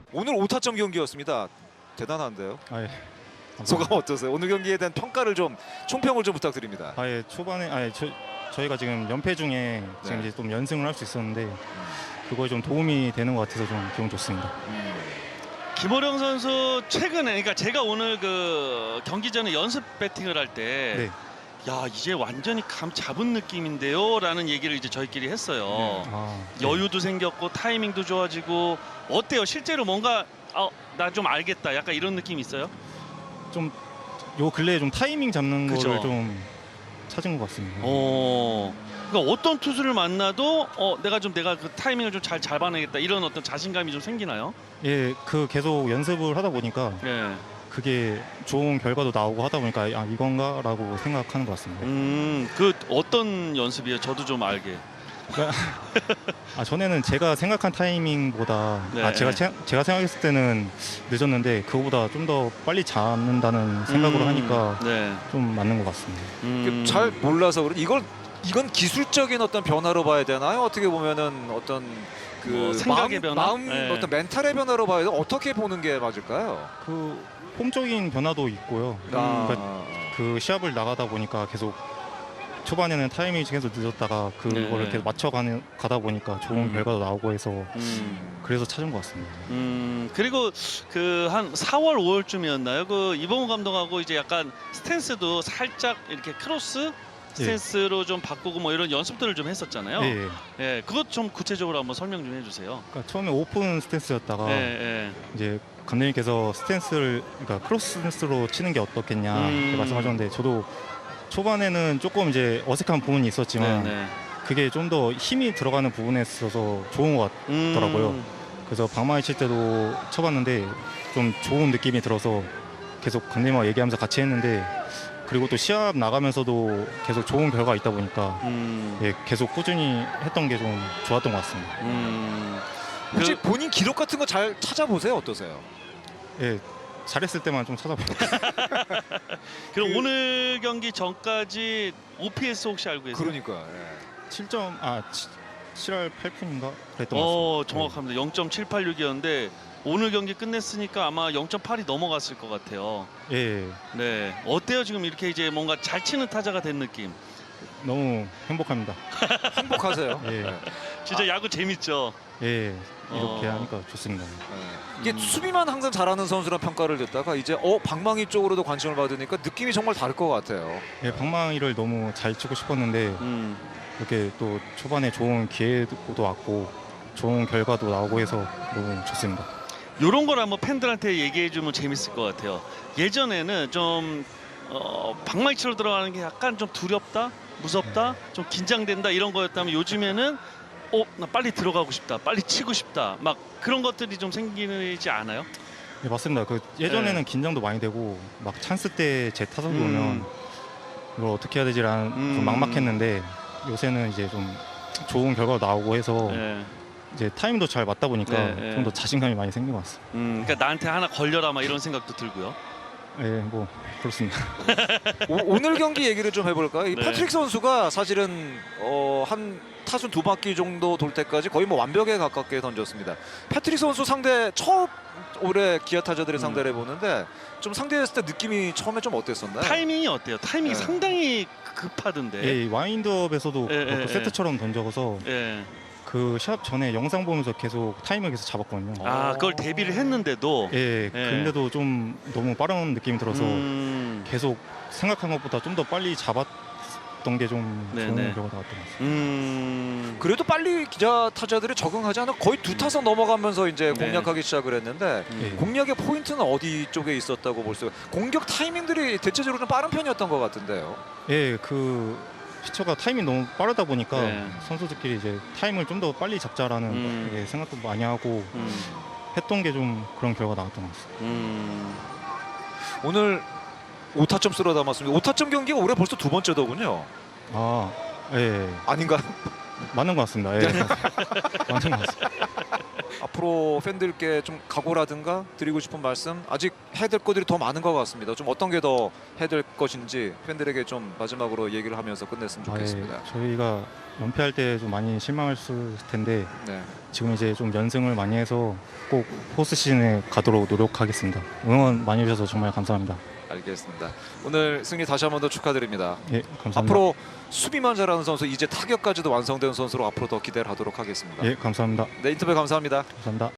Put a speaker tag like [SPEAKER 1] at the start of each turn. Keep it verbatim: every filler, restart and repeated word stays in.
[SPEAKER 1] 오늘 오 타점 경기였습니다. 대단한데요.
[SPEAKER 2] 아예
[SPEAKER 1] 소감 어떠세요? 오늘 경기에 대한 평가를 좀 총평을 좀 부탁드립니다.
[SPEAKER 2] 아예 초반에 아예 저, 저희가 지금 연패 중에 지금
[SPEAKER 1] 네.
[SPEAKER 2] 이제 좀 연승을 할 수 있었는데 그거에 좀 도움이 되는 것 같아서 좀 기분 좋습니다.
[SPEAKER 3] 김호령 선수 최근에 그러니까 제가 오늘 그 경기 전에 연습 배팅을 할 때
[SPEAKER 2] 네.
[SPEAKER 3] 야 이제 완전히 감 잡은 느낌인데요라는 얘기를 이제 저희끼리 했어요.
[SPEAKER 2] 아, 네.
[SPEAKER 3] 여유도 생겼고 타이밍도 좋아지고 어때요? 실제로 뭔가 어, 나 좀 알겠다. 약간 이런 느낌 있어요?
[SPEAKER 2] 좀 요 근래에 좀 타이밍 잡는
[SPEAKER 3] 그죠.
[SPEAKER 2] 거를 좀 찾은 것 같습니다.
[SPEAKER 3] 어. 그러니까 어떤 투수를 만나도 어 내가 좀 내가 그 타이밍을 좀 잘 잡아내겠다 이런 어떤 자신감이 좀 생기나요?
[SPEAKER 2] 예, 그 계속 연습을 하다 보니까
[SPEAKER 3] 예.
[SPEAKER 2] 그게 좋은 결과도 나오고 하다 보니까 아 이건가라고 생각하는 것 같습니다.
[SPEAKER 3] 음, 그 어떤 연습이에요? 저도 좀 알게.
[SPEAKER 2] 아 전에는 제가 생각한 타이밍보다
[SPEAKER 3] 네.
[SPEAKER 2] 아 제가 체- 제가 생각했을 때는 늦었는데 그거보다 좀 더 빨리 잡는다는 생각으로
[SPEAKER 3] 음,
[SPEAKER 2] 하니까
[SPEAKER 3] 네.
[SPEAKER 2] 좀 맞는 것 같습니다.
[SPEAKER 3] 음.
[SPEAKER 1] 잘 몰라서 그런 이걸 이건 기술적인 어떤 변화로 봐야 되나요? 어떻게 보면은 어떤 그
[SPEAKER 3] 뭐 생각의
[SPEAKER 1] 마음,
[SPEAKER 3] 변화?
[SPEAKER 1] 마음
[SPEAKER 3] 네.
[SPEAKER 1] 어떤 멘탈의 변화로 봐야 돼. 어떻게 보는 게 맞을까요?
[SPEAKER 2] 그 폼적인 변화도 있고요.
[SPEAKER 1] 아,
[SPEAKER 2] 그러니까 그 시합을 나가다 보니까 계속 초반에는 타이밍이 계속 늦었다가 그거를
[SPEAKER 3] 네.
[SPEAKER 2] 계속 맞춰가는 가다 보니까 좋은
[SPEAKER 3] 음.
[SPEAKER 2] 결과도 나오고 해서
[SPEAKER 3] 음.
[SPEAKER 2] 그래서 찾은 것 같습니다.
[SPEAKER 3] 음, 그리고 그 한 사월 오월쯤이었나요? 그 이범호 감독하고 이제 약간 스탠스도 살짝 이렇게 크로스 스탠스로 좀 바꾸고 뭐 이런 연습들을 좀 했었잖아요.
[SPEAKER 2] 예, 예.
[SPEAKER 3] 예, 그것 좀 구체적으로 한번 설명 좀 해주세요.
[SPEAKER 2] 그러니까 처음에 오픈 스탠스였다가
[SPEAKER 3] 예, 예.
[SPEAKER 2] 이제 감독님께서 스탠스를 그러니까 크로스 스탠스로 치는 게 어떻겠냐
[SPEAKER 3] 음.
[SPEAKER 2] 이렇게 말씀하셨는데 저도 초반에는 조금 이제 어색한 부분이 있었지만
[SPEAKER 3] 네, 네.
[SPEAKER 2] 그게 좀 더 힘이 들어가는 부분에 있어서 좋은 것
[SPEAKER 3] 음.
[SPEAKER 2] 같더라고요. 그래서 방망이 칠 때도 쳐봤는데 좀 좋은 느낌이 들어서 계속 감독님과 얘기하면서 같이 했는데 그리고 또 시합 나가면서도 계속 좋은 결과가 있다 보니까
[SPEAKER 3] 음.
[SPEAKER 2] 예, 계속 꾸준히 했던 게 좀 좋았던 것 같습니다.
[SPEAKER 3] 음.
[SPEAKER 1] 혹시
[SPEAKER 3] 그-
[SPEAKER 1] 본인 기록 같은 거 잘 찾아보세요. 어떠세요?
[SPEAKER 2] 예, 잘했을 때만 좀 찾아봐요.
[SPEAKER 3] 그럼
[SPEAKER 1] 그-
[SPEAKER 3] 오늘 경기 전까지 오피에스 혹시 알고 계세요?
[SPEAKER 1] 그러니까. 예.
[SPEAKER 2] 칠 점 아 칠할 팔 푼인가 그랬던 것
[SPEAKER 3] 어,
[SPEAKER 2] 같습니다.
[SPEAKER 3] 정확합니다. 영 점 칠팔육이었는데 오늘 경기 끝냈으니까 아마 영 점 팔이 넘어갔을 것 같아요.
[SPEAKER 2] 예, 예,
[SPEAKER 3] 네, 어때요? 지금 이렇게 이제 뭔가 잘 치는 타자가 된 느낌.
[SPEAKER 2] 너무 행복합니다.
[SPEAKER 1] 행복하세요.
[SPEAKER 2] 예.
[SPEAKER 1] 예.
[SPEAKER 3] 진짜 야구 재밌죠.
[SPEAKER 2] 예, 이렇게
[SPEAKER 3] 어.
[SPEAKER 2] 하니까 좋습니다.
[SPEAKER 1] 예. 이게
[SPEAKER 3] 음.
[SPEAKER 1] 수비만 항상 잘하는 선수란 평가를 듣다가 이제 어 방망이 쪽으로도 관심을 받으니까 느낌이 정말 다를 것 같아요.
[SPEAKER 2] 예, 방망이를 너무 잘 치고 싶었는데
[SPEAKER 3] 음.
[SPEAKER 2] 이렇게 또 초반에 좋은 기회도 왔고 좋은 결과도 나오고 해서 너무 좋습니다.
[SPEAKER 3] 이런 걸 한번 팬들한테 얘기해 주면 재밌을 것 같아요. 예전에는 좀 어, 방망이 치러 들어가는 게 약간 좀 두렵다, 무섭다, 좀 긴장된다 이런 거였다면 요즘에는 어, 나 빨리 들어가고 싶다, 빨리 치고 싶다, 막 그런 것들이 좀 생기지 않아요?
[SPEAKER 2] 예, 맞습니다. 그 예전에는
[SPEAKER 3] 네.
[SPEAKER 2] 긴장도 많이 되고 막 찬스 때 제 타석이
[SPEAKER 3] 음.
[SPEAKER 2] 오면 이걸 어떻게 해야 되지라는
[SPEAKER 3] 음.
[SPEAKER 2] 좀 막막했는데 요새는 이제 좀 좋은 결과가 나오고 해서
[SPEAKER 3] 네.
[SPEAKER 2] 이제 타임도 잘 맞다 보니까
[SPEAKER 3] 네, 네.
[SPEAKER 2] 좀 더 자신감이 많이 생긴 것 같습니다.
[SPEAKER 3] 음, 그러니까 나한테 하나 걸려라 막 이런 생각도 들고요.
[SPEAKER 2] 예, 뭐 그렇습니다.
[SPEAKER 1] 오, 늘 경기 얘기를 좀 해볼까요? 이
[SPEAKER 3] 네.
[SPEAKER 1] 패트릭 선수가 사실은 어, 한 타순 두 바퀴 정도 돌 때까지 거의 뭐 완벽에 가깝게 던졌습니다. 패트릭 선수 상대 처음 올해 기아 타자들을
[SPEAKER 3] 음.
[SPEAKER 1] 상대를 해보는데 좀 상대했을 때 느낌이 처음에 좀 어땠었나요?
[SPEAKER 3] 타이밍이 어때요? 타이밍이
[SPEAKER 1] 네.
[SPEAKER 3] 상당히 급하던데.
[SPEAKER 2] 예, 이 와인드업에서도
[SPEAKER 3] 예,
[SPEAKER 2] 그렇고
[SPEAKER 3] 예,
[SPEAKER 2] 세트처럼 던져서
[SPEAKER 3] 예.
[SPEAKER 2] 그 시합 전에 영상 보면서 계속 타임을 계속 잡았거든요.
[SPEAKER 3] 아, 그걸 대비를 했는데도.
[SPEAKER 2] 예,
[SPEAKER 3] 예.
[SPEAKER 2] 근데도 좀 너무 빠른 느낌이 들어서
[SPEAKER 3] 음,
[SPEAKER 2] 계속 생각한 것보다 좀 더 빨리 잡았던 게 좀
[SPEAKER 3] 네,
[SPEAKER 2] 좋은
[SPEAKER 3] 네.
[SPEAKER 2] 결과가 나왔던 것 같습니다.
[SPEAKER 3] 음.
[SPEAKER 1] 그래도 빨리 기아 타자들이 적응하지 않아 거의 두 타선 넘어가면서 이제
[SPEAKER 3] 네.
[SPEAKER 1] 공략하기 시작을 했는데
[SPEAKER 3] 음.
[SPEAKER 2] 예.
[SPEAKER 1] 공략의 포인트는 어디 쪽에 있었다고 볼 수 있어요? 공격 타이밍들이 대체적으로 좀 빠른 편이었던 것 같은데요.
[SPEAKER 2] 예, 그 피처가 타임이 너무 빠르다 보니까
[SPEAKER 3] 네.
[SPEAKER 2] 선수들끼리 이제 타임을 좀 더 빨리 잡자라는
[SPEAKER 3] 음.
[SPEAKER 2] 예, 생각도 많이 하고
[SPEAKER 3] 음.
[SPEAKER 2] 했던 게 좀 그런 결과가 나왔던 것 같습니다.
[SPEAKER 3] 음.
[SPEAKER 1] 오늘 오 타점 쓸어 담았습니다. 오 타점 경기가 올해 벌써 두 번째더군요.
[SPEAKER 2] 아, 예,
[SPEAKER 1] 아닌가?
[SPEAKER 2] 맞는 것 같습니다. 예, 맞는 것 같습니다.
[SPEAKER 1] 앞으로 팬들께 좀 각오라든가 드리고 싶은 말씀 아직 해야 될 것들이 더 많은 것 같습니다. 좀 어떤 게 더 해야 될 것인지 팬들에게 좀 마지막으로 얘기를 하면서 끝냈으면
[SPEAKER 2] 아, 예.
[SPEAKER 1] 좋겠습니다.
[SPEAKER 2] 저희가 연패할 때 좀 많이 실망했을 텐데
[SPEAKER 1] 네.
[SPEAKER 2] 지금 이제 좀 연승을 많이 해서 꼭 포스트 시즌에 가도록 노력하겠습니다. 응원 많이 해주셔서 정말 감사합니다.
[SPEAKER 1] 알겠습니다. 오늘 승리 다시 한 번 더 축하드립니다.
[SPEAKER 2] 예, 감사합니다.
[SPEAKER 1] 앞으로 수비만 잘하는 선수, 이제 타격까지도 완성된 선수로 앞으로 더 기대를 하도록 하겠습니다.
[SPEAKER 2] 예, 감사합니다.
[SPEAKER 1] 네, 인터뷰 감사합니다.
[SPEAKER 2] 감사합니다.